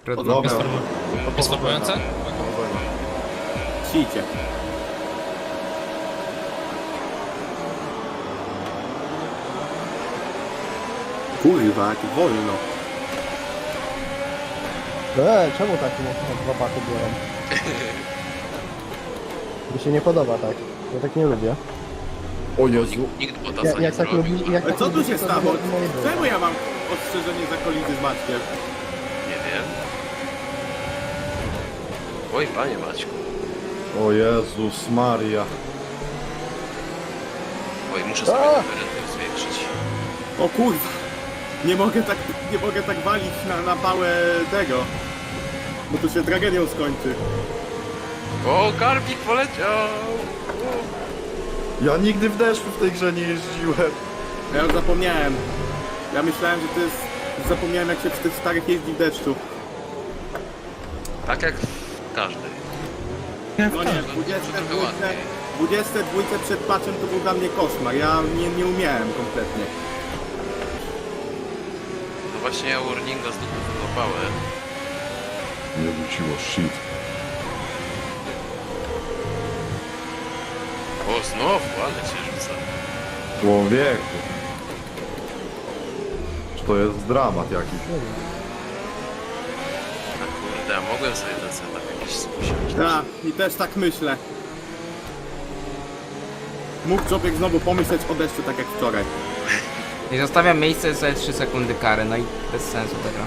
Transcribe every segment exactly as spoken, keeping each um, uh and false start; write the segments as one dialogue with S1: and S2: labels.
S1: Dobra.
S2: Jest formujące?
S3: Sicie. Kurwa, jak wolno.
S4: Eee, czemu tak mocno dwa baty biorą? Mi się nie podoba tak. Ja tak nie lubię.
S1: O Jezu.
S5: Nikt
S4: Ja,
S5: Bottasa nie
S4: jak tak
S5: zrobił.
S4: lubi, jak
S3: Ale
S4: tak
S3: co tu
S4: lubicie,
S3: się
S4: to
S3: stało?
S4: to moje było.
S3: Czemu ja mam ostrzeżenie za kolizję z Maćkiem?
S5: Nie wiem. Oj, panie Maćku.
S1: O Jezus Maria.
S5: Oj, muszę sobie
S4: A!
S5: referendę zwiększyć.
S3: O kurwa. Nie mogę tak, nie mogę tak walić na, na pałę tego. Bo tu się tragedią skończy.
S5: O, Garbik poleciał!
S1: Ja nigdy w deszczu w tej grze nie jeździłem.
S3: Ja już zapomniałem. Ja myślałem, że to jest... Zapomniałem jak się w tych starych jeździ w deszczu.
S5: Tak jak w każdej.
S3: No nie, w dwudziestej dwójce, dwudziestej dwójce przed patchem to był dla mnie koszmar. Ja nie, nie umiałem kompletnie.
S5: No właśnie ja Warninga złapałem.
S1: Nie wróciło, shit.
S5: O, znowu, ale się rzuca.
S1: Człowieku. Czy to jest dramat jakiś?
S5: A kurde, a mogłem sobie ten setup jakiś usiąść.
S3: Tak, i też tak myślę. Mógł człowiek znowu pomyśleć o deszczu tak jak wczoraj.
S6: I zostawiam miejsce sobie trzy sekundy kary, no i bez sensu tego.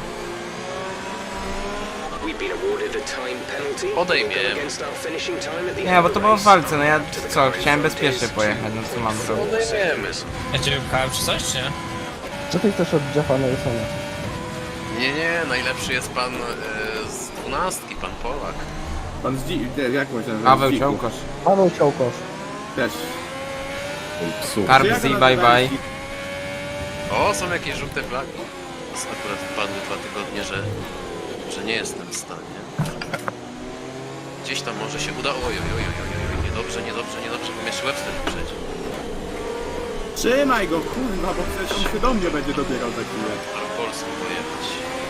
S5: Odejmie.
S6: Nie, bo to było w walce, no ja co, chciałem bezpiecznie pojechać, no co mam zrobić?
S5: Odejmiemy.
S2: Ja cię wypchałem czy coś, czy nie?
S4: Co ty chcesz od Jeffa Nelsona?
S5: Nie, nie, najlepszy jest pan e, z dwunastki, pan Polak.
S3: Pan z dzi... nie, jak myślałem, że
S6: Paweł
S3: z dziku.
S6: Ciołkosz.
S4: Paweł Ciołkosz.
S3: Też.
S1: Oj, psu.
S6: Kar-
S3: Czy ja go
S6: Bye,
S3: nazywałem
S6: bye.
S3: dzik?
S5: O, są jakieś żółte flagi. Akurat wpadły dwa tygodnie, że, że nie jestem w stanie. Gdzieś tam może się uda. Oj, oj, oj, oj, oj, oj, niedobrze, niedobrze, niedobrze, bo mnie Webster wyprzedzi.
S3: Trzymaj go, kurwa, bo przecież on się do mnie będzie dobierał za chwilę.
S5: Na Polską pojechać.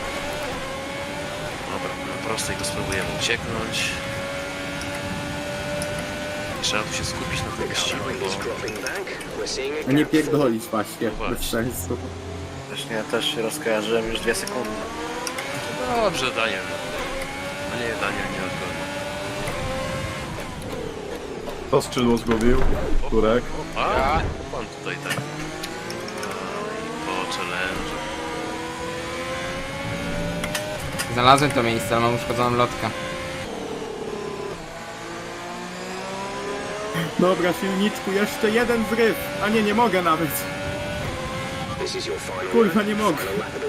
S5: Dobra, na prostej to spróbujemy ucieknąć. I trzeba tu się skupić na tym wyścigu, bo...
S3: A nie pierdolić właśnie,
S5: Właśnie.
S3: bez sensu.
S7: Właśnie ja też się rozkojarzyłem już dwie sekundy.
S5: Dobrze, Daniel. A nie, Daniel nie odgoni.
S1: To skrzydło zgubił. Turek.
S5: A, pan tutaj tak. No i po challenge.
S6: Znalazłem to miejsce, ale mam uszkodzoną lotkę.
S3: Dobra, silniczku, jeszcze jeden zryw. A nie, nie mogę nawet. Kurwa, nie mogę.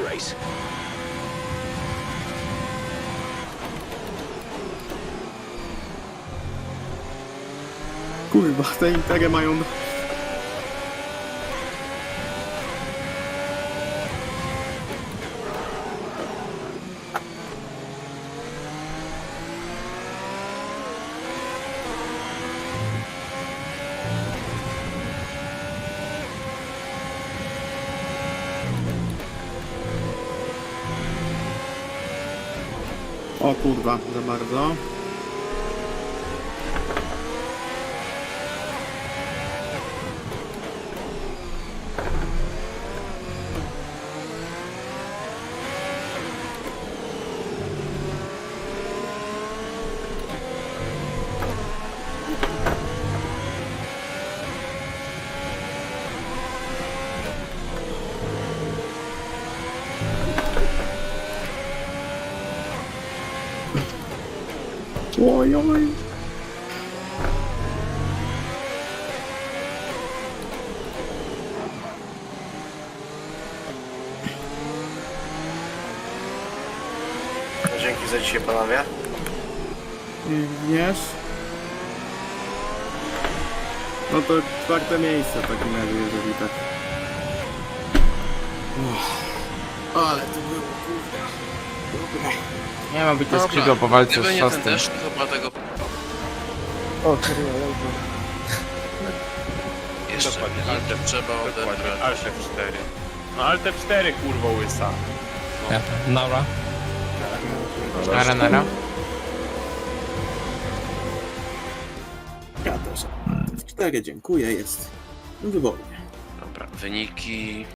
S3: Kurwa, te intery mają... O kurwa, za bardzo. Oj, oj.
S7: Dzięki za dzisiaj, panowie.
S3: Wiesz? No to czwarte miejsce w takim razie, jeżeli tak. Uff. Ale to było kurwa.
S6: Nie ma być to skrzydło po walce
S5: Gdyby
S6: z
S5: nie ten
S6: Szostem.
S5: deszcz, to chyba tego
S4: O, serio, jajko.
S5: jeszcze nie trzeba odebrać.
S8: Alt F cztery. No Alt F cztery kurwa łysa.
S2: Ja. Dobra.
S6: Nara, nara.
S3: Ja też. cztery, dziękuję, jest wybornie.
S5: Dobra, wyniki